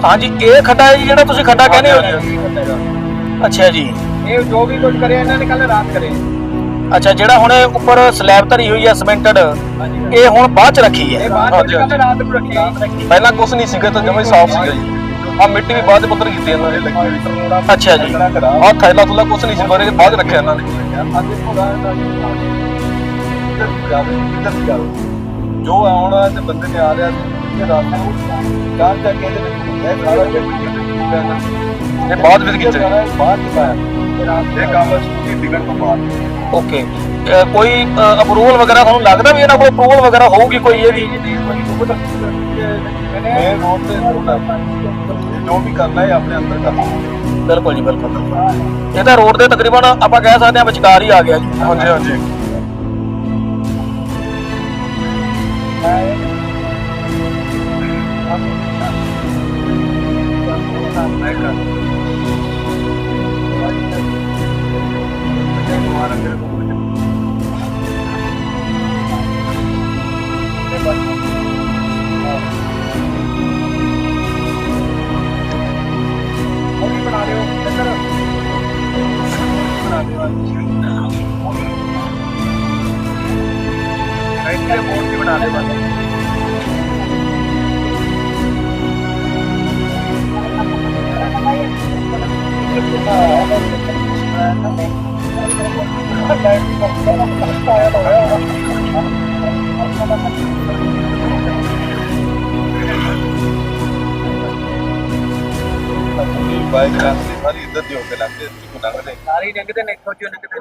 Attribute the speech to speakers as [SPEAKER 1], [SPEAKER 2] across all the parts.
[SPEAKER 1] हाँ जी, ये खड्डा है जी जेड़ा तुसीं खड्डा कहने हो जी। अच्छा जी।
[SPEAKER 2] ये जो भी कुछ करे इन्होंने कल रात करे।
[SPEAKER 1] अच्छा, जेड़ा हुणे उपर स्लैब धरी हुई है सीमेंटेड, ये हुण बाद च रखी है।
[SPEAKER 2] ये बात कल रात को रखी है।
[SPEAKER 3] ਪਹਿਲਾਂ ਕੁਛ ਨਹੀਂ ਸੀਗਾ ਤਾਂ ਜਮਾ ਹੀ ਸਾਫ਼ ਸੀਗਾ ਜੀ। ਆ ਮਿੱਟੀ ਵੀ ਬਾਅਦ ਚ ਪੱਧਰ ਕੀਤੀ ਇਹਨਾਂ ਨੇ।
[SPEAKER 1] अच्छा जी।
[SPEAKER 3] ਆ ਥੈਲਾ ਥੁਲਾ ਕੁਛ ਨਹੀਂ ਸੀ ਬਾਰੇ ਬਾਅਦ ਚ ਰੱਖਿਆ ਇਹਨਾਂ ਨੇ।
[SPEAKER 4] ਜੋ ਆਉਣ ਵਾਲੇ ਬੰਦੇ ਨੇ ਆ ਰਿਹਾ ਸੀ ਰਾਤ ਨੂੰ ਚਾਰ ਜਾ ਕੇ ਇਹ ਸਾਰਾ
[SPEAKER 3] ਇਹ ਬਾਅਦ ਵਿੱਚ ਕੀਤੇ
[SPEAKER 4] ਬਾਅਦ ਚ ਪਾਇਆ ਇਹ ਕੰਮ ਸਕੂਟੀ ਡਿੱਗਣ ਤੋਂ ਬਾਅਦ।
[SPEAKER 1] ओके, कोई अप्रूवल वगैरह थानू लगदा भी इन्हां कोल अप्रूवल वगैरह होगी कोई ਇਹਦੀ?
[SPEAKER 4] मेन रोड से जो भी करना है अपने अंदर करना।
[SPEAKER 1] बिल्कुल जी बिल्कुल। ਇਹ ਤਾਂ ਰੋਡ ਦੇ ਤਕਰੀਬਨ ਆਪਾਂ ਕਹਿ ਸਕਦੇ ਹਾਂ ਵਿਚਕਾਰ ਹੀ ਆ ਗਿਆ ਜੀ।
[SPEAKER 3] ਹਾਂਜੀ ਹਾਂਜੀ।
[SPEAKER 2] बना रहे हो बोर्ड भी बना रहे
[SPEAKER 4] बाइक रास्ते सारी इधर दी होके लगते इसको लंघते
[SPEAKER 2] सारी निकलते ने सोचो निकलते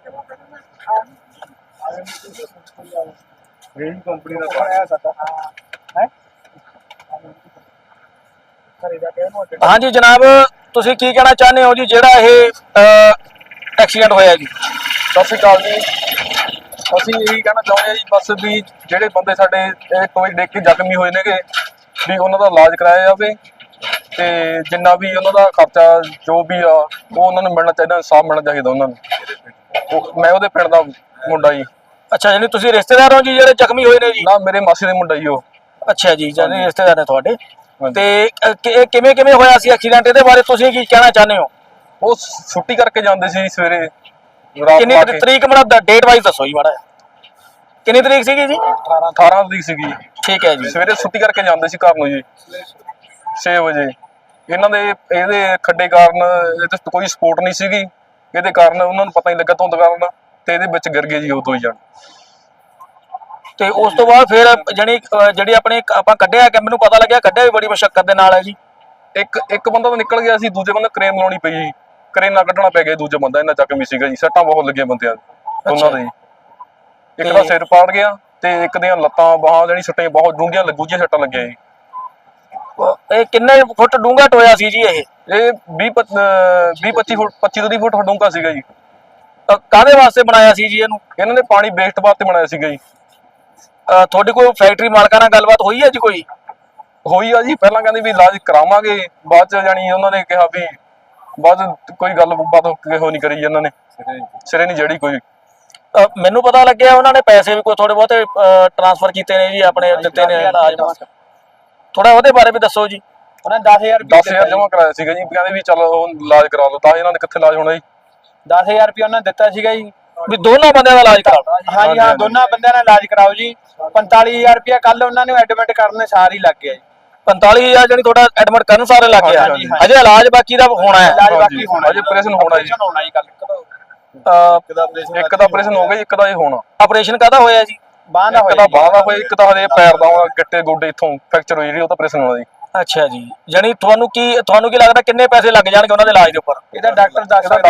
[SPEAKER 4] रेन कंपनी ਦਾ ਬਣਾਇਆ ਸਾਡਾ
[SPEAKER 2] है
[SPEAKER 1] हाँ जी जनाब, ਤੁਸੀਂ ਕੀ ਕਹਿਣਾ ਚਾਹੁੰਦੇ ਹੋ ਜੀ ਜਿਹੜਾ ਇਹ ਐਕਸੀਡੈਂਟ ਹੋਇਆ ਜੀ?
[SPEAKER 3] ਸਤਿ ਸ਼੍ਰੀ ਅਕਾਲ ਜੀ। ਅਸੀਂ ਇਹੀ ਕਹਿਣਾ ਚਾਹੁੰਦੇ ਹਾਂ ਜੀ ਬਸ ਵੀ ਜਿਹੜੇ ਬੰਦੇ ਸਾਡੇ ਇਹ ਕੋਈ ਡਿੱਗ ਕੇ ਜ਼ਖਮੀ ਹੋਏ ਨੇਗੇ ਵੀ ਉਹਨਾਂ ਦਾ ਇਲਾਜ ਕਰਾਇਆ ਜਾਵੇ ਤੇ ਜਿੰਨਾ ਵੀ ਉਹਨਾਂ ਦਾ ਖਰਚਾ ਜੋ ਵੀ ਆ ਉਹ ਉਹਨਾਂ ਨੂੰ ਮਿਲਣਾ ਚਾਹੀਦਾ, ਇਨਸਾਫ ਮਿਲਣਾ ਚਾਹੀਦਾ ਉਹਨਾਂ ਨੂੰ। ਮੈਂ ਉਹਦੇ ਪਿੰਡ ਦਾ ਮੁੰਡਾ ਜੀ।
[SPEAKER 1] ਅੱਛਾ, ਯਾਨੀ ਤੁਸੀਂ ਰਿਸ਼ਤੇਦਾਰ ਹੋ ਜੀ ਜਿਹੜੇ ਜ਼ਖਮੀ ਹੋਏ ਨੇ ਜੀ?
[SPEAKER 3] ਨਾ, ਮੇਰੇ ਮਾਸੀ ਦੇ ਮੁੰਡਾ ਜੀ ਉਹ।
[SPEAKER 1] ਅੱਛਾ ਜੀ, ਯਾਨੀ ਰਿਸ਼ਤੇਦਾਰ ਨੇ ਤੁਹਾਡੇ। ਤੇ ਇਹ ਕਿਵੇਂ ਕਿਵੇਂ ਹੋਇਆ ਸੀ ਐਕਸੀਡੈਂਟ? ਇਹਦੇ ਬਾਰੇ ਤੁਸੀਂ ਕੀ ਕਹਿਣਾ ਚਾਹੁੰਦੇ ਹੋ?
[SPEAKER 3] ਉਹ ਛੁੱਟੀ ਕਰਕੇ ਜਾਂਦੇ ਸੀ ਸਵੇਰੇ ਰਾਤ
[SPEAKER 1] ਕਿੰਨੀ ਤਰੀਕ ਮਤਲਬ ਡੇਟ ਵਾਈਜ਼ ਦੱਸੋ ਜੀ ਮਾੜਾ। ਕਿੰਨੀ ਤਰੀਕ ਸੀਗੀ ਜੀ?
[SPEAKER 3] 18 ਤਰੀਕ ਸੀਗੀ।
[SPEAKER 1] ਠੀਕ ਹੈ ਜੀ।
[SPEAKER 3] ਸਵੇਰੇ ਛੁੱਟੀ ਕਰਕੇ ਜਾਂਦੇ ਸੀ ਘਰ ਨੂੰ ਜੀ 6 ਵਜੇ। ਇਹਨਾਂ ਦੇ ਇਹਦੇ ਖੱਡੇ ਕਾਰਨ ਇਹਦੇ ਕੋਈ ਸਪੋਰਟ ਨਹੀਂ ਸੀਗੀ, ਇਹਦੇ ਕਾਰਨ ਉਹਨਾਂ ਨੂੰ ਪਤਾ ਨਹੀਂ ਲੱਗਾ ਧੁੰਦ ਕਾਰਨ ਤੇ ਇਹਦੇ ਵਿੱਚ ਗਿਰ ਗਏ ਜੀ ਉਹ ਦੋ ਹੀ ਜਣ।
[SPEAKER 1] ਤੇ ਉਸ ਤੋਂ ਬਾਅਦ ਫਿਰ ਜਿਹੜੀ ਆਪਣੇ ਆਪਾਂ ਕੱਢਿਆ ਕਿ ਮੈਨੂੰ ਪਤਾ ਲੱਗਿਆ ਕੱਢਿਆ ਵੀ ਬੜੀ ਮੁਸ਼ੱਕਤ ਦੇ ਨਾਲ ਹੈ ਜੀ।
[SPEAKER 3] ਇੱਕ ਬੰਦਾ ਤਾਂ ਨਿਕਲ ਗਿਆ ਸੀ, ਦੂਜੇ ਬੰਦੇ ਕ੍ਰੇਨ ਲਾਉਣੀ ਪਈ ਜੀ, ਕਰੇਨਾ ਕੱਢਣਾ ਪੈ ਗਿਆ। ਦੂਜਾ ਬੰਦਾ ਇਹਨਾਂ ਜ਼ਖਮੀ ਸੀਗਾ ਜੀ, ਸੱਟਾਂ ਬਹੁਤ ਲੱਗੀਆਂ ਬੰਦਿਆਂ ਦੋਨਾਂ ਦੇ। ਇੱਕ ਦਾ ਸਿਰ ਪਾੜ ਗਿਆ ਤੇ ਇੱਕ ਦੀਆਂ ਲੱਤਾਂ ਬਾਹਾਂ ਜਿਹੜੀ ਸੱਟਾਂ ਬਹੁਤ ਡੂੰਘੀਆਂ ਲੱਗੂਜੀਆਂ ਸੱਟਾਂ ਲੱਗੀਆਂ ਜੀ।
[SPEAKER 1] ਇਹ ਕਿੰਨੇ ਫੁੱਟ ਡੂੰਘਾ ਟੋਇਆ ਸੀ ਜੀ ਇਹ?
[SPEAKER 3] 20-25 ਫੁੱਟ 25-30 ਫੁੱਟ ਡੂੰਘਾ ਸੀਗਾ ਜੀ।
[SPEAKER 1] ਕਾਹਦੇ ਵਾਸਤੇ ਬਣਾਇਆ ਸੀ ਜੀ ਇਹਨੂੰ?
[SPEAKER 3] ਇਹਨਾਂ ਨੇ ਪਾਣੀ ਵੇਸਟ ਵਾਸਤੇ ਬਣਾਇਆ ਸੀਗਾ ਜੀ।
[SPEAKER 1] ਤੁਹਾਡੀ ਕੋਈ ਫੈਕਟਰੀ ਮਾਲਕਾਂ ਨਾਲ ਗੱਲਬਾਤ ਹੋਈ ਹੈ ਜੀ ਕੋਈ?
[SPEAKER 3] ਹੋਈ ਆ ਜੀ, ਪਹਿਲਾਂ ਕਹਿੰਦੇ ਵੀ ਇਲਾਜ ਕਰਾਵਾਂਗੇ, ਬਾਅਦ ਚ ਜਾਣੀ ਉਹਨਾਂ ਨੇ ਕਿਹਾ ਵੀ ਬਾਅਦ ਕੋਈ ਗੱਲਬਾਤ ਕਿਹੋ ਨਹੀਂ ਕਰੀ ਇਹਨਾਂ ਨੇ, ਸਿਰੇ ਨਹੀਂ ਜਿਹੜੀ ਕੋਈ।
[SPEAKER 1] ਮੈਨੂੰ ਪਤਾ ਲੱਗਿਆ ਉਹਨਾਂ ਨੇ ਪੈਸੇ ਵੀ ਕੋਈ ਥੋੜੇ ਬਹੁਤੇ ਟ੍ਰਾਂਸਫਰ ਕੀਤੇ ਨੇ ਜੀ, ਆਪਣੇ ਦਿੱਤੇ ਨੇ ਇਲਾਜ ਵਾਸਤੇ। ਥੋੜਾ ਉਹਦੇ ਬਾਰੇ ਵੀ ਦੱਸੋ ਜੀ।
[SPEAKER 2] ਉਹਨਾਂ 10,000
[SPEAKER 3] ਜਮ੍ਹਾਂ ਕਰਾਇਆ ਸੀਗਾ ਜੀ, ਕਹਿੰਦੇ ਵੀ ਚਲੋ ਇਲਾਜ ਕਰਾ ਲਓ। ਤਾਂ ਇਹਨਾਂ ਨੇ ਕਿੱਥੇ ਇਲਾਜ ਹੋਣਾ ਜੀ?
[SPEAKER 2] 10,000 ਰੁਪਏ ਉਹਨਾਂ ਦਿੱਤਾ ਸੀਗਾ ਜੀ
[SPEAKER 1] ਵੀ ਦੋਨਾਂ ਬੰਦਿਆਂ ਦਾ ਇਲਾਜ ਕਰਾਓ।
[SPEAKER 2] ਹਾਂ ਜੀ ਹਾਂ, ਦੋਨਾਂ ਬੰਦਿਆਂ ਦਾ ਇਲਾਜ ਕਰਾਓ ਜੀ। 45,000 ਰੁਪਏ ਕੱਲ ਉਹਨਾਂ ਨੇ ਐਡਮਿਟ ਕਰਨ ਸਾਰ ਹੀ ਲੱਗ ਗਿਆ ਜੀ।
[SPEAKER 1] 45,000 ਜਾਨੀ ਤੁਹਾਡਾ ਐਡਮਿਟ ਕਰਨ ਸਾਰੇ ਲੱਗ ਗਿਆ। ਅਜੇ ਇਲਾਜ ਬਾਕੀ ਦਾ ਹੋਣਾ ਹੈ।
[SPEAKER 2] ਇਲਾਜ ਬਾਕੀ ਹੋਣਾ,
[SPEAKER 3] ਅਜੇ ਆਪਰੇਸ਼ਨ ਹੋਣਾ ਜੀ। ਇੱਕ ਦਾ ਆਪਰੇਸ਼ਨ ਹੋ ਗਿਆ, ਇੱਕ ਦਾ ਇਹ ਹੋਣਾ।
[SPEAKER 1] ਆਪਰੇਸ਼ਨ ਕਾਹਦਾ ਹੋਇਆ ਜੀ?
[SPEAKER 2] ਬਾਂਹ ਦਾ
[SPEAKER 3] ਇੱਕ ਦਾ ਬਾਂਹ ਦਾ ਹੋਇਆ, ਇੱਕ ਤਾਂ ਹਲੇ ਪੈਰ ਦਾ ਹੋਣਾ, ਗਿੱਟੇ ਗੋਡੇ ਇੱਥੋਂ ਫ੍ਰੈਕਚਰ ਹੋਈ ਜਿਹੜੀ ਉਹ ਤਾਂ ਆਪਰੇਸ਼ਨ ਹੋਣਾ ਜੀ।
[SPEAKER 1] ਅੱਛਾ ਜੀ, ਜਾਨੀ ਤੁਹਾਨੂੰ ਕੀ ਲੱਗਦਾ ਕਿੰਨੇ ਪੈਸੇ ਲੱਗ ਜਾਣਗੇ ਉਹਨਾਂ ਦੇ ਇਲਾਜ ਦੇ ਉੱਪਰ?
[SPEAKER 2] ਇਹਦਾ ਡਾਕਟਰ ਦੱਸ ਸਕਦਾ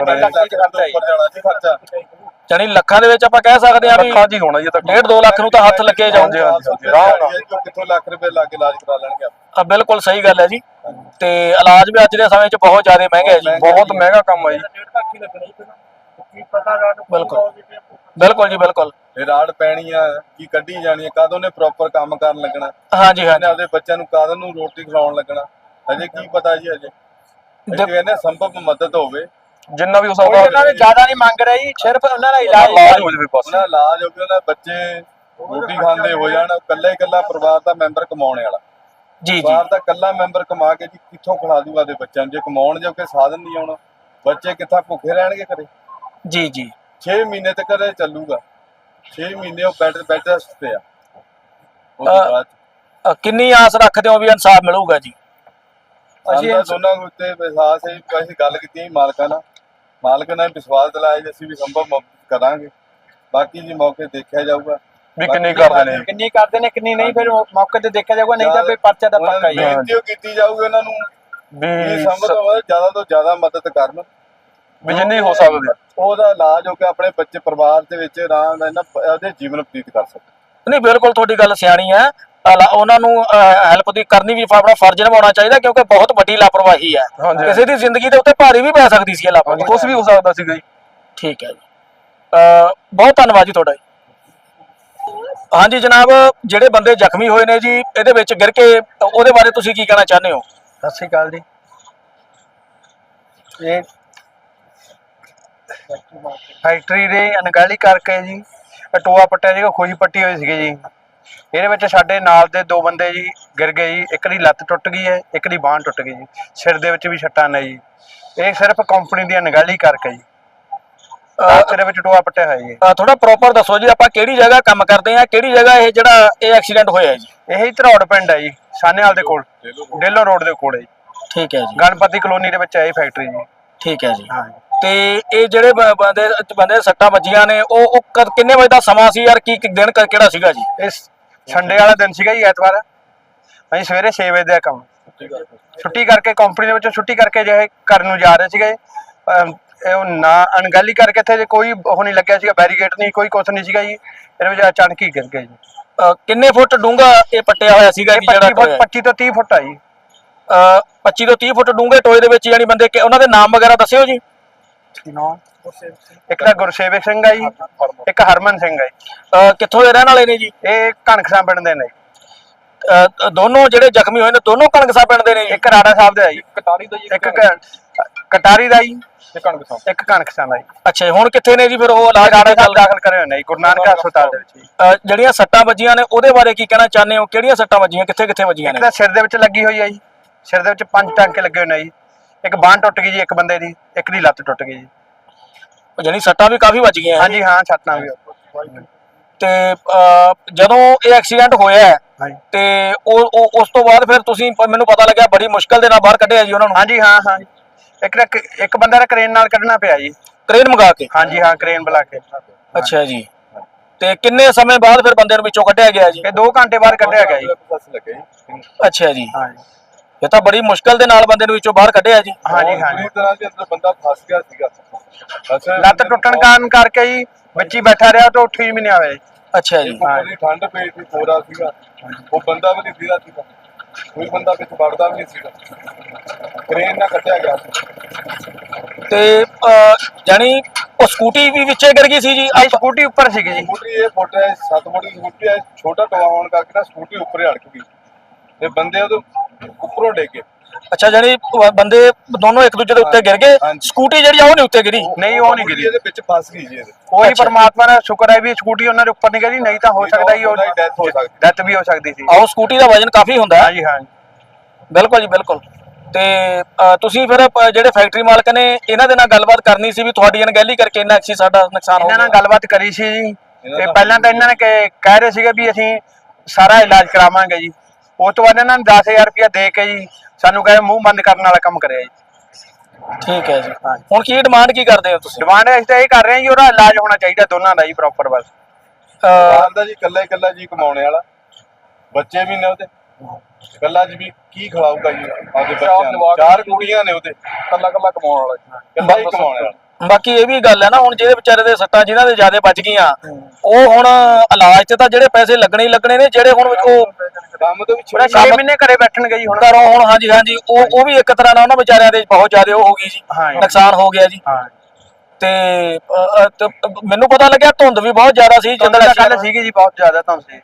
[SPEAKER 4] ਖਰਚਾ
[SPEAKER 1] ਜਾਨੀ ਲੱਖਾਂ ਦੇ ਵਿੱਚ ਆਪਾਂ ਕਹਿ ਸਕਦੇ ਹਾਂ ਵੀ
[SPEAKER 3] ਲੱਖਾਂ ਜੀ ਹੋਣਾ ਜੀ। ਤਾਂ
[SPEAKER 1] 1.5-2 ਲੱਖ ਨੂੰ ਤਾਂ ਹੱਥ ਲੱਗੇ ਜਾਉਂਦੇ ਆ।
[SPEAKER 4] ਕਿੱਥੋਂ ਲੱਖ ਰੁਪਏ ਲਾ ਕੇ ਇਲਾਜ ਕਰਾ ਲੈਣਗੇ?
[SPEAKER 1] ਬਿਲਕੁਲ ਸਹੀ ਗੱਲ ਹੈ ਜੀ। ਤੇ ਇਲਾਜ ਵੀ ਅੱਜ ਦੇ ਸਮੇਂ 'ਚ ਬਹੁਤ ਜ਼ਿਆਦਾ ਮਹਿੰਗਾ ਹੈ ਜੀ,
[SPEAKER 3] ਬਹੁਤ ਮਹਿੰਗਾ ਕੰਮ ਹੈ ਜੀ।
[SPEAKER 1] ਬਿਲਕੁਲ ਬਿਲਕੁਲ ਜੀ ਬਿਲਕੁਲ।
[SPEAKER 4] ਰਾੜ ਪੈਣੀ ਆ, ਕੀ ਕੱਢੀ ਜਾਣੀ ਆ, ਕਦੋਂ ਨੇ ਪ੍ਰੋਪਰ ਕੰਮ ਕਰਨ ਲੱਗਣਾ,
[SPEAKER 1] ਹਾਂਜੀ ਹਾਂਜੀ।
[SPEAKER 4] ਆਪਦੇ ਬੱਚਿਆਂ ਨੂੰ ਕਦੋਂ ਨੂੰ ਰੋਟੀ ਖਵਾਉਣ ਲੱਗਣਾ, ਹਜੇ ਕੀ ਪਤਾ ਜੀ। ਹਜੇ ਕਹਿੰਦੇ ਸੰਭਵ ਮਦਦ ਹੋਵੇ
[SPEAKER 3] ਜਿੰਨਾ ਵੀ ਹੋ ਸਕਦਾ।
[SPEAKER 2] ਉਹਨਾਂ ਨੇ ਜ਼ਿਆਦਾ ਨਹੀਂ ਮੰਗ ਰਹੀ, ਸਿਰਫ ਉਹਨਾਂ ਦਾ ਇਲਾਜ
[SPEAKER 3] ਹੋ ਜਾਵੇ ਬਸ।
[SPEAKER 4] ਉਹਨਾਂ ਦਾ ਇਲਾਜ ਹੋ ਗਿਆ, ਉਹਨਾਂ ਦੇ ਬੱਚੇ ਰੋਟੀ ਖਾਂਦੇ ਹੋ ਜਾਣ, ਇਕੱਲਾ ਪਰਿਵਾਰ ਦਾ ਮੈਂਬਰ ਕਮਾਉਣੇ ਵਾਲਾ।
[SPEAKER 1] ਜੀ।
[SPEAKER 4] ਬਾਹਰ ਦਾ ਇਕੱਲਾ ਮੈਂਬਰ ਕਮਾ ਕੇ ਜੀ ਕਿੱਥੋਂ ਖਿਲਾ ਦੂਗਾ ਦੇ ਬੱਚਿਆਂ ਨੂੰ, ਜੇ ਕਮਾਉਣ ਜੋਗੇ ਸਾਧਨ ਨਹੀਂ ਆਉਣਾ ਬੱਚੇ ਕਿੱਥਾਂ ਭੁੱਖੇ ਰਹਿਣਗੇ ਘਰੇ।
[SPEAKER 1] ਜੀ
[SPEAKER 4] 6 ਮਹੀਨੇ ਤੱਕ ਇਹ ਚੱਲੂਗਾ, 6 ਮਹੀਨੇ ਉਹ ਬੈੱਡ ਰੈਸਟ ਤੇ ਆ। ਉਸ ਤੋਂ ਬਾਅਦ
[SPEAKER 1] ਕਿੰਨੀ ਆਸ ਰੱਖਦੇ ਹੋ ਵੀ ਇਨਸਾਫ ਮਿਲੂਗਾ ਜੀ?
[SPEAKER 4] ਅਸੀਂ ਦੋਨਾਂ ਉੱਤੇ ਵਿਸ਼ਵਾਸ ਹੈ, ਅਸੀਂ ਗੱਲ ਕੀਤੀ ਸੀ ਮਾਲਕਾਂ ਨਾਲ, ਮਾਲਕ ਨੇ ਵਿਸ਼ਵਾਸ ਦਿਲਾਇਆ ਜੀ ਅਸੀਂ ਵੀ ਸੰਭਵ ਮਦਦ ਕਰਾਂਗੇ। ਬਾਕੀ ਜੀ ਮੌਕੇ ਦੇਖਿਆ ਜਾਊਗਾ
[SPEAKER 3] ਵੀ ਕਿੰਨੀ ਕਰਦੇ ਨੇ,
[SPEAKER 2] ਕਿੰਨੀ ਕਰਦੇ ਨੇ ਕਿੰਨੀ ਨਹੀਂ, ਫਿਰ ਮੌਕੇ ਤੇ ਦੇਖਿਆ ਜਾਊਗਾ, ਨਹੀਂ ਤਾਂ ਫਿਰ ਪਰਚਾ ਦਾ ਪੱਕਾ ਹੀ ਹੈ।
[SPEAKER 4] ਬੇਨਤੀ ਕੀਤੀ ਜਾਊਗੀ ਉਹਨਾਂ ਨੂੰ ਵੀ ਸੰਭਵ ਜ਼ਿਆਦਾ ਤੋਂ ਜ਼ਿਆਦਾ ਮਦਦ ਕਰਨ,
[SPEAKER 3] ਵੀ ਜਿੰਨੀ ਹੋ ਸਕਦੀ
[SPEAKER 4] ਉਹਦਾ ਇਲਾਜ ਹੋ ਕੇ ਆਪਣੇ ਬੱਚੇ ਪਰਿਵਾਰ ਦੇ ਵਿੱਚ ਆਰਾਮ ਨਾਲ ਉਹਦੇ ਜੀਵਨ ਬਤੀਤ ਕਰ ਸਕਣ।
[SPEAKER 1] ਨਹੀਂ ਬਿਲਕੁਲ ਤੁਹਾਡੀ ਗੱਲ ਸਿਆਣੀ ਹੈ, ਉਹਨਾਂ ਨੂੰ ਹੈਲਪ ਦੀ ਕਰਨੀ ਵੀ ਆਪਣਾ ਫਰਜ਼ ਨਿਭਾਉਣਾ ਚਾਹੀਦਾ, ਕਿਉਂਕਿ ਬਹੁਤ ਵੱਡੀ ਲਾਪਰਵਾਹੀ ਹੈ, ਕਿਸੇ ਦੀ ਜ਼ਿੰਦਗੀ ਦੇ ਉੱਤੇ ਭਾਰੀ ਵੀ ਪੈ ਸਕਦੀ ਸੀ ਇਹ ਲਾਪਰਵਾਹੀ,
[SPEAKER 3] ਕੁਝ ਵੀ ਹੋ ਸਕਦਾ ਸੀਗਾ ਜੀ।
[SPEAKER 1] ਠੀਕ ਹੈ ਜੀ, ਬਹੁਤ ਧੰਨਵਾਦ ਜੀ ਤੁਹਾਡਾ ਜੀ। ਹਾਂਜੀ ਜਨਾਬ, ਜਿਹੜੇ ਬੰਦੇ ਜ਼ਖਮੀ ਹੋਏ ਨੇ ਜੀ ਇਹਦੇ ਵਿੱਚ ਗਿਰ ਕੇ, ਉਹਦੇ ਬਾਰੇ ਤੁਸੀਂ ਕੀ ਕਹਿਣਾ ਚਾਹੁੰਦੇ ਹੋ?
[SPEAKER 2] ਸਤਿ ਸ਼੍ਰੀ ਅਕਾਲ ਜੀ। ਇਹ ਫੈਕਟਰੀ ਦੇ ਅਣਗਹਿਲੀ ਕਰਕੇ ਜੀ ਟੋਆ ਪੱਟਿਆ ਸੀਗਾ, ਖੋਈ ਪੱਟੀ ਹੋਈ ਸੀਗੀ ਜੀ। ਇਹਦੇ ਵਿੱਚ ਸਾਡੇ ਨਾਲ ਦੇ 2 ਬੰਦੇ ਜੀ ਗਿਰ ਗਏ ਜੀ, ਇੱਕ ਦੀ ਲੱਤ ਟੁੱਟ ਗਈ ਹੈ, ਇੱਕ ਦੀ ਬਾਂਹ ਟੁੱਟ ਗਈ ਜੀ, ਸਿਰ ਦੇ ਵਿੱਚ ਵੀ ਸੱਟਾਂ ਨੇ ਜੀ। ਇਹ ਸਿਰਫ ਕੰਪਨੀ ਦੀ ਅਣਗਹਿਲੀ ਕਰਕੇ ਜੀ ਸਿਰ ਵਿੱਚ ਟੋਆ ਪੱਟਿਆ ਹੋਇਆ ਜੀ।
[SPEAKER 1] ਥੋੜਾ ਪ੍ਰੋਪਰ ਦੱਸੋ ਜੀ, ਆਪਾਂ ਕਿਹੜੀ ਜਗ੍ਹਾ ਕੰਮ ਕਰਦੇ ਆ, ਕਿਹੜੀ ਜਗ੍ਹਾ ਇਹ ਜਿਹੜਾ ਇਹ ਐਕਸੀਡੈਂਟ ਹੋਇਆ ਜੀ?
[SPEAKER 2] ਇਹੀ ਧਰੌੜ ਪਿੰਡ ਹੈ ਜੀ, ਸਾਨੇਵਾਲ ਦੇ ਕੋਲ, ਡੇਲੋ ਰੋਡ ਦੇ ਕੋਲ ਹੈ ਜੀ।
[SPEAKER 1] ਠੀਕ ਹੈ ਜੀ,
[SPEAKER 2] ਗਣਪਤੀ ਕਲੋਨੀ ਦੇ ਵਿੱਚ ਹੈ ਇਹ ਫੈਕਟਰੀ ਜੀ।
[SPEAKER 1] ਠੀਕ ਹੈ ਜੀ।
[SPEAKER 2] ਹਾਂ,
[SPEAKER 1] ਤੇ ਇਹ ਜਿਹੜੇ ਬੰਦੇ ਸੱਟਾਂ ਵੱਜੀਆਂ ਨੇ ਉਹ ਕਿੰਨੇ ਵਜੇ ਦਾ ਸਮਾਂ ਸੀ ਯਾਰ, ਕੀ ਦਿਨ ਕਿਹੜਾ ਸੀਗਾ ਜੀ?
[SPEAKER 2] ਇਹ ਸੰਡੇ ਵਾਲਾ ਦਿਨ ਸੀਗਾ ਜੀ, ਐਤਵਾਰ। ਅਸੀਂ ਸਵੇਰੇ 6 ਵਜੇ ਦਾ ਕੰਮ ਛੁੱਟੀ ਕਰਕੇ, ਕੰਪਨੀ ਦੇ ਵਿੱਚੋਂ ਛੁੱਟੀ ਕਰਕੇ ਜੇ ਘਰ ਨੂੰ ਜਾ ਰਹੇ ਸੀਗੇ, ਉਹ ਨਾ ਅਣਗਹਿਲੀ ਕਰਕੇ ਇੱਥੇ ਕੋਈ ਉਹ ਨਹੀਂ ਲੱਗਿਆ ਸੀਗਾ, ਬੈਰੀਕੇਡ ਨਹੀਂ, ਕੋਈ ਕੁਛ ਨਹੀਂ ਸੀਗਾ ਜੀ। ਇਹਦੇ ਵਿੱਚ ਅਚਾਨਕ ਹੀ ਗਿਰ ਗਿਆ ਜੀ।
[SPEAKER 1] ਕਿੰਨੇ ਫੁੱਟ ਡੂੰਘਾ ਇਹ ਪੱਟਿਆ ਹੋਇਆ ਸੀਗਾ ਜੀ? ਜਿਹੜਾ
[SPEAKER 2] 25 ਤੋਂ 30 ਫੁੱਟ ਆ ਜੀ।
[SPEAKER 1] 25 ਤੋਂ 30 ਫੁੱਟ ਡੂੰਘੇ ਟੋਏ ਦੇ ਵਿੱਚ ਯਾਨੀ ਬੰਦੇ, ਉਹਨਾਂ ਦੇ ਨਾਮ ਵਗੈਰਾ ਦੱਸਿਓ ਜੀ।
[SPEAKER 2] ਇੱਕ ਤਾਂ ਗੁਰਸੇਵਕ ਸਿੰਘ ਆ ਜੀ, ਇੱਕ ਹਰਮਨ ਸਿੰਘ ਆ ਜੀ।
[SPEAKER 1] ਕਿੱਥੋਂ ਦੇ ਰਹਿਣ ਵਾਲੇ ਨੇ ਜੀ?
[SPEAKER 2] ਇਹ ਕਣਕਸਾਂ ਪਿੰਡ ਦੇ ਨੇ।
[SPEAKER 1] ਦੋਨੋਂ ਜਿਹੜੇ ਜ਼ਖਮੀ ਹੋਏ ਨੇ ਦੋਨੋਂ ਕਣਕਸਾਂ ਪਿੰਡ ਦੇ ਨੇ ਜੀ?
[SPEAKER 2] ਇੱਕ ਰਾੜਾ ਸਾਹਿਬ ਦਾ ਜੀ,
[SPEAKER 3] ਕਟਾਰੀ ਦਾ ਜੀ,
[SPEAKER 2] ਇੱਕ ਕਟਾਰੀ ਦਾ ਜੀ,
[SPEAKER 3] ਇੱਕ
[SPEAKER 2] ਕਣਕਸਾਂ ਦਾ ਜੀ।
[SPEAKER 1] ਅੱਛਾ, ਹੁਣ ਕਿੱਥੇ ਨੇ ਜੀ ਫਿਰ ਉਹ? ਇਲਾਜ
[SPEAKER 2] ਰਾੜਾ ਸਾਹਿਬ ਦਾਖਲ ਕਰੇ ਹੋਏ ਨੇ ਜੀ ਗੁਰੂ ਨਾਨਕ ਹਸਪਤਾਲ ਦੇ ਵਿੱਚ ਜੀ।
[SPEAKER 1] ਜਿਹੜੀਆਂ ਸੱਟਾਂ ਵੱਜੀਆਂ ਨੇ ਉਹਦੇ ਬਾਰੇ ਕੀ ਕਹਿਣਾ ਚਾਹੁੰਦੇ ਹੋ? ਕਿਹੜੀਆਂ ਸੱਟਾਂ ਵੱਜੀਆਂ, ਕਿੱਥੇ ਕਿੱਥੇ ਵੱਜੀਆਂ
[SPEAKER 2] ਇੱਕ
[SPEAKER 1] ਨੇ?
[SPEAKER 2] ਤਾਂ ਸਿਰ ਦੇ ਵਿੱਚ ਲੱਗੀ ਹੋਈ ਆ ਜੀ, ਸਿਰ ਦੇ ਵਿੱਚ 5 ਟਾਂਕੇ ਲੱਗੇ ਹੋਏ ਨੇ ਜੀ। ਇੱਕ ਬਾਂਹ ਟੁੱਟ ਗਈ ਜੀ ਇੱਕ ਬੰਦੇ ਦੀ, ਇੱਕ ਦੀ ਲੱਤ ਟੁੱਟ ਗਈ ਜੀ।
[SPEAKER 1] ਯਾਨੀ ਸੱਟਾਂ ਵੀ ਕਾਫੀ ਵੱਜ ਗਈਆਂ?
[SPEAKER 2] ਹਾਂਜੀ ਹਾਂ, ਛੱਟਾਂ ਵੀ।
[SPEAKER 1] ਤੇ ਜਦੋਂ ਇਹ ਐਕਸੀਡੈਂਟ ਹੋਇਆ ਤੇ ਉਸ ਤੋਂ ਬਾਅਦ ਫਿਰ ਤੁਸੀਂ, ਮੈਨੂੰ ਪਤਾ ਲੱਗਿਆ ਬੜੀ ਮੁਸ਼ਕਲ ਦੇ ਨਾਲ ਬਾਹਰ ਕੱਢਿਆ ਜੀ ਉਹਨਾਂ ਨੂੰ?
[SPEAKER 2] ਹਾਂਜੀ ਹਾਂ ਹਾਂ, ਇੱਕ ਬੰਦਾ ਦਾ ਕ੍ਰੇਨ ਨਾਲ ਕੱਢਣਾ ਪਿਆ ਜੀ,
[SPEAKER 1] ਕ੍ਰੇਨ ਮੰਗਾ ਕੇ?
[SPEAKER 2] ਹਾਂਜੀ ਹਾਂ, ਕ੍ਰੇਨ ਬੁਲਾ ਕੇ।
[SPEAKER 1] ਅੱਛਾ ਜੀ, ਤੇ ਕਿੰਨੇ ਸਮੇਂ ਬਾਅਦ ਫਿਰ ਬੰਦੇ ਨੂੰ ਵਿੱਚੋਂ ਕੱਢਿਆ ਗਿਆ ਜੀ?
[SPEAKER 2] ਇਹ 2 ਘੰਟੇ ਬਾਅਦ ਕੱਢਿਆ ਗਿਆ ਜੀ।
[SPEAKER 1] ਅੱਛਾ ਜੀ,
[SPEAKER 2] ਹਾਂ,
[SPEAKER 1] ਇਹ ਤਾਂ ਬੜੀ ਮੁਸ਼ਕਲ ਦੇ ਨਾਲ ਬੰਦੇ ਨੂੰ ਵਿੱਚੋਂ ਬਾਹਰ ਕੱਢਿਆ ਜੀ।
[SPEAKER 2] ਹਾਂਜੀ ਹਾਂਜੀ,
[SPEAKER 4] ਪੂਰੀ ਤਰ੍ਹਾਂ ਦੇ ਅੰਦਰ ਬੰਦਾ ਫਸ ਗਿਆ ਸੀਗਾ।
[SPEAKER 2] ਲੱਤ ਟੁੱਟਣ ਕਾਰਨ ਕਰਕੇ ਜੀ ਬੱਚੀ ਬੈਠਾ ਰਿਹਾ ਤਾਂ ਉੱਠੀ ਵੀ ਨਹੀਂ ਆਇਆ ਜੀ।
[SPEAKER 1] ਅੱਛਾ ਜੀ,
[SPEAKER 4] ਬੜੀ ਠੰਡ ਪਈ ਸੀ, ਕੋਰਾ ਸੀਗਾ, ਉਹ ਬੰਦਾ ਵੀ ਨਹੀਂ ਸੀਗਾ, ਕੋਈ ਬੰਦਾ ਵਿੱਚ ਵੜਦਾ ਵੀ ਨਹੀਂ ਸੀਗਾ, ਕ੍ਰੇਨ ਨਾਲ ਕੱਢਿਆ ਗਿਆ।
[SPEAKER 1] ਤੇ ਜਾਨੀ ਉਹ ਸਕੂਟੀ ਵੀ ਵਿੱਚੇ ਗਿਰ ਗਈ ਸੀ ਜੀ?
[SPEAKER 2] ਇਹ ਸਕੂਟੀ ਉੱਪਰ ਸੀਗੀ ਜੀ।
[SPEAKER 4] ਸਕੂਟਰੀ ਇਹ ਫੁੱਟ ਹੈ 7 ਫੁੱਟ ਦੀ ਸਕੂਟਰੀ ਹੈ, ਛੋਟਾ ਟੋਆ ਹੋਣ ਕਰਕੇ ਨਾ ਸਕੂਟਰੀ ਉੱਪਰ ਹੀ ਅੜਕ ਗਈ ਤੇ ਬੰਦੇ ਉਹਦੇ ਉੱਪਰੋਂ ਡਿੱਗ ਗਏ।
[SPEAKER 1] ਅੱਛਾ, ਜਾਨੀ ਬੰਦੇ ਦੋਨੋਂ ਇੱਕ ਦੂਜੇ ਦੇ ਉੱਤੇ ਗਿਰ ਗਏ, ਸਕੂਟੀ ਜਿਹੜੀ ਆ ਉਹ ਨਹੀਂ ਉੱਤੇ ਗਿਰੀ?
[SPEAKER 2] ਨਹੀਂ, ਉਹ ਨਹੀਂ ਗਿਰੀ,
[SPEAKER 4] ਇਹਦੇ ਵਿੱਚ ਫਸ ਗਈ ਜੀ। ਇਹਦੇ
[SPEAKER 2] ਉਹੀ ਪਰਮਾਤਮਾ ਦਾ ਸ਼ੁਕਰ ਹੈ ਵੀ ਸਕੂਟੀ ਉਹਨਾਂ ਦੇ ਉੱਪਰ ਨਹੀਂ ਗਈ, ਨਹੀਂ ਤਾਂ ਹੋ ਸਕਦਾ ਜੀ ਉਹ
[SPEAKER 4] ਡੈਥ ਹੋ ਸਕਦੀ,
[SPEAKER 2] ਡੈਥ ਵੀ ਹੋ ਸਕਦੀ ਸੀ।
[SPEAKER 1] ਆਹੋ, ਸਕੂਟੀ ਦਾ ਵਜ਼ਨ ਕਾਫੀ ਹੁੰਦਾ ਹੈ।
[SPEAKER 2] ਹਾਂਜੀ ਹਾਂ,
[SPEAKER 1] ਬਿਲਕੁਲ ਜੀ ਬਿਲਕੁਲ। ਤੇ ਤੁਸੀਂ ਫਿਰ ਜਿਹੜੇ ਫੈਕਟਰੀ ਮਾਲਕ ਨੇ ਇਹਨਾਂ ਦੇ ਨਾਲ ਗੱਲਬਾਤ ਕਰਨੀ ਸੀ ਵੀ ਤੁਹਾਡੀ ਅਣਗਹਿਲੀ ਕਰਕੇ ਇੰਨਾ ਸਾਡਾ ਨੁਕਸਾਨ ਹੋ
[SPEAKER 2] ਇਹਨਾਂ ਨਾਲ
[SPEAKER 1] ਗਿਆ?
[SPEAKER 2] ਗੱਲਬਾਤ ਕਰੀ ਸੀ ਜੀ, ਤੇ ਪਹਿਲਾਂ ਤਾਂ ਇਹਨਾਂ ਨੇ ਕਹਿ ਰਹੇ ਸੀਗੇ ਵੀ ਅਸੀਂ ਸਾਰਾ ਇਲਾਜ ਕਰਾਵਾਂਗੇ ਜੀ। ਉਸ ਤੋਂ ਬਾਅਦ ਇਹਨਾਂ ਨੇ 10,000 ਰੁਪਇਆ ਦੇ ਕੇ ਜੀ ਸਾਨੂੰ ਕਹੇ ਮੂੰਹ ਬੰਦ ਕਰਨ ਵਾਲਾ ਕੰਮ ਕਰਿਆ ਜੀ।
[SPEAKER 1] ਠੀਕ ਹੈ ਜੀ, ਹੁਣ ਕੀ ਡਿਮਾਂਡ ਕੀ ਕਰਦੇ ਹੋ ਤੁਸੀਂ?
[SPEAKER 2] ਡਿਮਾਂਡ ਅਸੀਂ ਤਾਂ ਇਹ ਕਰ ਰਹੇ ਹਾਂ ਜੀ, ਉਹਦਾ ਇਲਾਜ ਹੋਣਾ ਚਾਹੀਦਾ ਦੋਨਾਂ ਦਾ ਜੀ ਪ੍ਰੋਪਰ। ਬਸ
[SPEAKER 4] ਬਾਹਰ ਦਾ ਜੀ ਇਕੱਲਾ ਜੀ ਕਮਾਉਣੇ ਵਾਲਾ, ਬੱਚੇ ਵੀ ਨੇ ਉਹਦੇ, ਇਕੱਲਾ ਜੀ ਵੀ ਕੀ ਖਿਲਾਊਗਾ ਜੀ ਆਪਦੇ ਬੱਚਿਆਂ ਨੂੰ? 4 ਕੁੜੀਆਂ ਨੇ ਉਹਦੇ,
[SPEAKER 3] ਕੱਲਾ ਕਮਾਉਣ ਵਾਲਾ,
[SPEAKER 4] ਇਕੱਲਾ ਹੀ ਕਮਾਉਣੇ ਵਾਲਾ।
[SPEAKER 1] ਬਾਕੀ ਇਹ ਵੀ ਗੱਲ ਹੈ ਨਾ, ਹੁਣ ਜਿਹਦੇ ਵਿਚਾਰੇ ਦੇ ਸੱਟਾਂ ਜਿਨ੍ਹਾਂ ਦੇ ਜ਼ਿਆਦਾ ਵੱਜ ਗਈਆਂ, ਉਹ ਹੁਣ ਇਲਾਜ ਤੇ ਤਾਂ ਜਿਹੜੇ ਪੈਸੇ ਲੱਗਣੇ ਹੀ ਲੱਗਣੇ ਨੇ, ਜਿਹੜੇ ਹੁਣ ਉਹ
[SPEAKER 4] ਕੰਮ ਤੋਂ ਵੀ
[SPEAKER 2] 6 ਮਹੀਨੇ ਘਰੇ ਬੈਠਣਗੇ ਜੀ ਹੁਣ
[SPEAKER 1] ਘਰੋਂ ਹੁਣ। ਹਾਂਜੀ ਹਾਂਜੀ, ਉਹ ਵੀ ਇੱਕ ਤਰ੍ਹਾਂ ਨਾਲ ਉਹਨਾਂ ਵਿਚਾਰਿਆਂ ਦੇ ਬਹੁਤ ਜ਼ਿਆਦਾ ਉਹ ਹੋ ਗਈ ਜੀ, ਨੁਕਸਾਨ ਹੋ ਗਿਆ ਜੀ।
[SPEAKER 2] ਹਾਂ,
[SPEAKER 1] ਤੇ ਮੈਨੂੰ ਪਤਾ ਲੱਗਿਆ ਧੁੰਦ ਵੀ ਬਹੁਤ ਜ਼ਿਆਦਾ ਸੀ
[SPEAKER 2] ਜਿੱਦਾਂ ਕੱਲ ਸੀਗੀ ਜੀ, ਬਹੁਤ ਜ਼ਿਆਦਾ ਧੁੰਦ ਸੀ।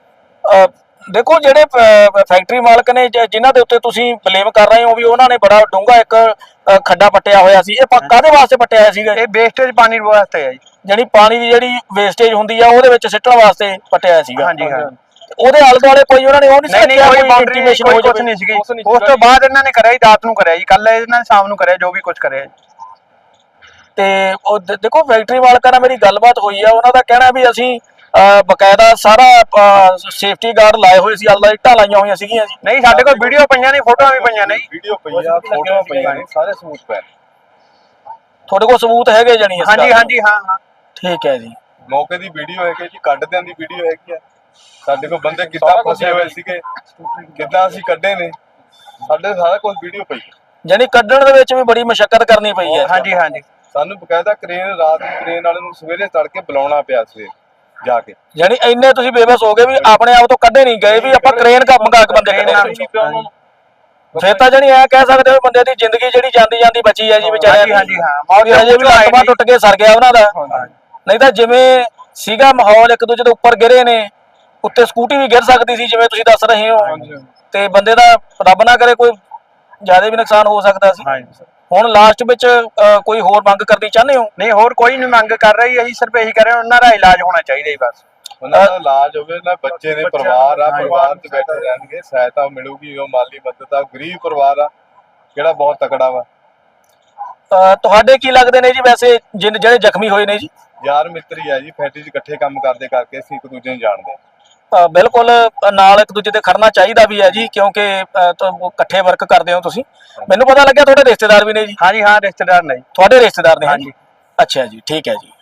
[SPEAKER 1] ਦੇਖੋ ਜਿਹੜੇ ਫੈਕਟਰੀ ਮਾਲਕ ਨੇ ਜਿਨ੍ਹਾਂ ਦੇ ਉੱਤੇ ਤੁਸੀਂ ਬਲੇਮ ਕਰ ਰਹੇ ਹੋ ਵੀ ਉਹਨਾਂ ਨੇ ਬੜਾ ਡੂੰਘਾ ਇੱਕ ਖੱਡਾ ਪੱਟਿਆ ਹੋਇਆ ਸੀ, ਇਹ ਕਾਹਦੇ ਵਾਸਤੇ ਪੱਟਿਆ ਹੋਇਆ ਸੀਗਾ?
[SPEAKER 2] ਇਹ ਵੇਸਟੇਜ ਪਾਣੀ ਵਾਸਤੇ ਹੈ ਜੀ,
[SPEAKER 1] ਜਿਹੜੀ ਪਾਣੀ ਦੀ ਜਿਹੜੀ ਵੇਸਟੇਜ ਹੁੰਦੀ ਆ ਉਹਦੇ ਵਿੱਚ ਸਿੱਟਣ ਵਾਸਤੇ ਪੱਟਿਆ ਹੋਇਆ ਸੀਗਾ।
[SPEAKER 2] ਹਾਂਜੀ ਹਾਂ,
[SPEAKER 1] ਉਹਦੇ ਆਲੇ ਦੁਆਲੇ ਕੋਈ ਉਹਨਾਂ ਨੇ ਉਹ ਨਹੀਂ
[SPEAKER 2] ਨਹੀਂ ਕੋਈ ਬਾਉਂਡਰੀ
[SPEAKER 1] intimation
[SPEAKER 2] ਕੋਈ
[SPEAKER 1] ਹੋ
[SPEAKER 2] ਕੁਝ
[SPEAKER 1] ਜਾਵੇ?
[SPEAKER 2] ਨਹੀਂ ਸੀਗੀ।
[SPEAKER 3] ਕੁਛ ਨਹੀਂ
[SPEAKER 2] ਉਸ
[SPEAKER 3] ਸੀਗਾ
[SPEAKER 2] ਤੋਂ
[SPEAKER 3] ਜੀ।
[SPEAKER 2] ਬਾਅਦ ਇਹਨਾਂ ਨੇ ਕਰਿਆ ਜੀ, ਰਾਤ ਨੂੰ ਕਰਿਆ ਜੀ, ਕੱਲ ਇਹਨਾਂ ਨੇ ਸ਼ਾਮ ਨੂੰ ਕਰਿਆ ਜੋ ਵੀ ਕੁਝ ਕਰਿਆ ਜੀ।
[SPEAKER 1] ਤੇ ਉਹ ਦੇਖੋ ਫੈਕਟਰੀ ਮਾਲਕਾਂ ਨਾਲ ਮੇਰੀ ਗੱਲਬਾਤ ਹੋਈ ਆ, ਉਹਨਾਂ ਦਾ ਕਹਿਣਾ ਵੀ ਅਸੀਂ ਬਕਾਇਦਾ ਸਾਰਾ ਸੇਫਟੀ ਗਾਰਡ ਲਾਏ ਹੋਏ ਸੀ, ਅੱਲਾ ਇੱਟਾਂ ਲਾਈਆਂ ਹੋਈਆਂ ਸੀਗੀਆਂ ਜੀ।
[SPEAKER 2] ਨਹੀਂ ਸਾਡੇ ਕੋਲ ਵੀਡੀਓ ਪਈਆਂ ਨੇ, ਫੋਟੋਆਂ ਵੀ ਪਈਆਂ ਨੇ ਜੀ।
[SPEAKER 4] ਵੀਡੀਓ ਪਈ ਆ, ਫੋਟੋਆਂ ਪਈਆਂ ਨੇ, ਸਾਰੇ ਸਬੂਤ ਪਏ ਨੇ।
[SPEAKER 1] ਤੁਹਾਡੇ ਕੋਲ ਸਬੂਤ ਹੈਗੇ ਜਾਣੀ ਇਸ ਗੱਲ
[SPEAKER 2] ਹਾਂਜੀ
[SPEAKER 1] ਦੇ?
[SPEAKER 2] ਹਾਂਜੀ ਹਾਂ।
[SPEAKER 1] ਠੀਕ ਹੈ ਜੀ।
[SPEAKER 4] ਮੌਕੇ ਦੀ ਵੀਡੀਓ ਹੈਗੀ ਜੀ, ਕੱਢਦਿਆਂ ਦੀ ਵੀਡੀਓ ਹੈਗੀ ਆ। ਸਾਡੇ ਕੋਲ ਬੰਦੇ ਕਿੱਦਾਂ
[SPEAKER 3] ਸਾਰਾ ਕੁਛ
[SPEAKER 4] ਫਸੇ ਹੋਏ ਸੀਗੇ, ਕਿੱਦਾਂ ਅਸੀਂ ਕੱਢੇ ਨੇ, ਸਾਡੇ ਸਾਰਾ ਕੁਝ ਵੀਡੀਓ ਪਈ ਹੈ।
[SPEAKER 1] ਜਾਣੀ ਕੱਢਣ ਦੇ ਵਿੱਚ ਵੀ ਬੜੀ ਮੁਸ਼ਕਲ ਕਰਨੀ ਪਈ ਹੈ।
[SPEAKER 2] ਹਾਂਜੀ ਹਾਂਜੀ
[SPEAKER 4] ਸਾਨੂੰ ਬਕਾਇਦਾ ਕ੍ਰੇਨ, ਰਾਤ ਨੂੰ ਕ੍ਰੇਨ ਵਾਲੇ ਨੂੰ ਸਵੇਰੇ ਤੜਕੇ ਬੁਲਾਉਣਾ ਪਿਆ ਸਵੇਰ ਜਾ ਕੇ।
[SPEAKER 1] ਜਾਣੀ ਇੰਨੇ ਤੁਸੀਂ ਬੇਬਸ ਹੋ ਗਏ ਵੀ ਆਪਣੇ ਆਪ ਤੋਂ ਕੱਢੇ ਨਹੀਂ ਗਏ, ਵੀ ਆਪਾਂ ਕ੍ਰੇਨ ਕਾ ਮੰਗਾ ਕੇ ਬੰਦੇ ਕੱਢੇ।
[SPEAKER 3] ਨਹੀਂ ਪਿਆ ਉਹਨਾਂ ਨੂੰ।
[SPEAKER 1] ਫਿਰ ਤਾਂ ਜਾਣੀ ਐ ਕਹਿ ਸਕਦੇ ਹੋ ਬੰਦੇ ਦੀ ਜ਼ਿੰਦਗੀ ਜਿਹੜੀ ਜਾਂਦੀ ਜਾਂਦੀ ਬਚੀ ਹੈ ਜੀ ਵਿਚਾਰਿਆਂ ਦੀ।
[SPEAKER 2] ਹਾਂਜੀ ਹਾਂ।
[SPEAKER 1] ਵੀ ਹਜੇ ਵੀ ਲੱਤ ਬਾਂਹ ਟੁੱਟ ਕੇ ਸਰ ਗਿਆ ਉਹਨਾਂ ਦਾ, ਨਹੀਂ ਤਾਂ ਜਿਵੇਂ ਸੀਗਾ ਮਾਹੌਲ ਇੱਕ ਦੂਜੇ ਦੇ ਉੱਪਰ ਗਿਰੇ ਨੇ, ਉੱਤੇ ਸਕੂਟੀ ਵੀ ਗਿਰ ਸਕਦੀ ਸੀ ਜਿਵੇਂ ਤੁਸੀਂ ਦੱਸ ਰਹੇ ਹੋ, ਤੇ ਬੰਦੇ ਦਾ ਰੱਬ ਨਾ ਕਰੇ ਕੋਈ ਜ਼ਿਆਦਾ ਵੀ ਨੁਕਸਾਨ ਹੋ ਸਕਦਾ ਸੀ।
[SPEAKER 2] ਹਾਂਜੀ
[SPEAKER 1] ਹੁਣ ਲਾਸਟ ਵਿੱਚ ਕੋਈ ਹੋਰ ਮੰਗ ਕਰਨੀ ਚਾਹੁੰਦੇ ਹੋ?
[SPEAKER 2] ਨਹੀਂ ਹੋਰ ਕੋਈ ਨਹੀਂ ਮੰਗ ਕਰ ਰਹੀ, ਅਸੀਂ ਸਿਰਫ ਇਹੀ ਕਰ ਰਹੇ ਹਾਂ, ਉਹਨਾਂ ਦਾ ਇਲਾਜ ਹੋਣਾ ਚਾਹੀਦਾ ਜੀ ਬਸ।
[SPEAKER 4] ਉਹਨਾਂ ਦਾ ਇਲਾਜ ਹੋਵੇ, ਨਾ ਬੱਚੇ ਨੇ, ਪਰਿਵਾਰ ਆ, ਪਰਿਵਾਰ 'ਚ ਬੈਠੇ ਰਹਿਣਗੇ, ਸਹਾਇਤਾ ਮਿਲੂਗੀ, ਉਹ ਮਾਲੀ ਮਦਦ ਆ। ਗਰੀਬ ਪਰਿਵਾਰ ਆ ਜਿਹੜਾ ਬਹੁਤ ਤਕੜਾ ਵਾ।
[SPEAKER 1] ਤੁਹਾਡੇ ਕੀ ਲੱਗਦੇ ਨੇ ਜੀ ਵੈਸੇ ਜਿਹੜੇ ਜ਼ਖਮੀ ਹੋਏ ਨੇ ਜੀ?
[SPEAKER 4] ਯਾਰ ਮਿੱਤਰੀ ਆ ਜੀ, ਫੈਕਟਰੀ 'ਚ ਇਕੱਠੇ ਕੰਮ ਕਰਦੇ ਕਰਕੇ ਅਸੀਂ ਇੱਕ ਦੂਜੇ ਨੂੰ ਜਾਣਦੇ ਹਾਂ।
[SPEAKER 1] ਬਿਲਕੁਲ ਨਾਲ ਇੱਕ ਦੂਜੇ ਤੇ ਖੜਨਾ ਚਾਹੀਦਾ ਵੀ ਹੈ ਜੀ, ਕਿਉਂਕਿ ਇਕੱਠੇ ਵਰਕ ਕਰਦੇ ਹੋ ਤੁਸੀਂ। ਮੈਨੂੰ ਪਤਾ ਲੱਗਿਆ ਤੁਹਾਡੇ ਰਿਸ਼ਤੇਦਾਰ ਵੀ ਨੇ ਜੀ?
[SPEAKER 2] ਹਾਂਜੀ ਹਾਂ ਰਿਸ਼ਤੇਦਾਰ ਨੇ ਜੀ।
[SPEAKER 1] ਤੁਹਾਡੇ ਰਿਸ਼ਤੇਦਾਰ ਨੇ?
[SPEAKER 2] ਹਾਂਜੀ।
[SPEAKER 1] ਅੱਛਾ ਜੀ, ਠੀਕ ਹੈ ਜੀ।